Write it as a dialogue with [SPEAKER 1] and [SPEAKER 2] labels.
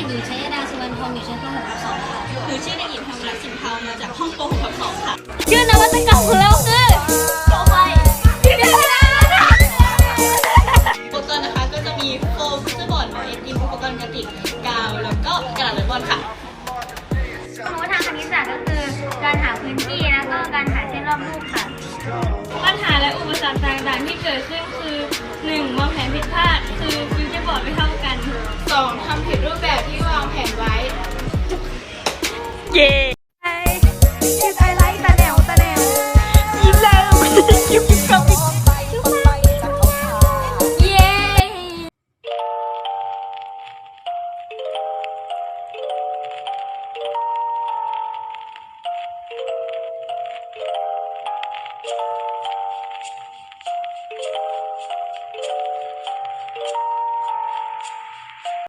[SPEAKER 1] หญิงชัยดาสุวรรณทองอยู่ชั้นป .6/2 ค่ะ
[SPEAKER 2] หนูชื่อเด็กหญิงธรรมรัตน์สินเทามาจากห้องป .6/2 ค่ะ
[SPEAKER 1] ชื่อนวัตกรรมของเราคือโชว์ไฟ
[SPEAKER 2] อุปกรณ์นะคะก็จะมีโฟมฟุตบอลไม้ดินอุปกรณ์กระติกกาวแล้วก็กระดาษเลบอนค่ะ
[SPEAKER 1] ความรู้ทางคณิตศาสตร์ก็คือการหาพื้นที่แล้วก็การหาเส้นรอบรูปค่ะ
[SPEAKER 3] ปัญหาและอุปสรรคต่างๆที่เกิดขึ้นคือ 1. วางแผนผิดพลาดคือฟิวเจอร์บอร์ดไม่เท่ากัน
[SPEAKER 2] 2. ทำผิดรูปแบบที่วางแผนไว้
[SPEAKER 3] เย้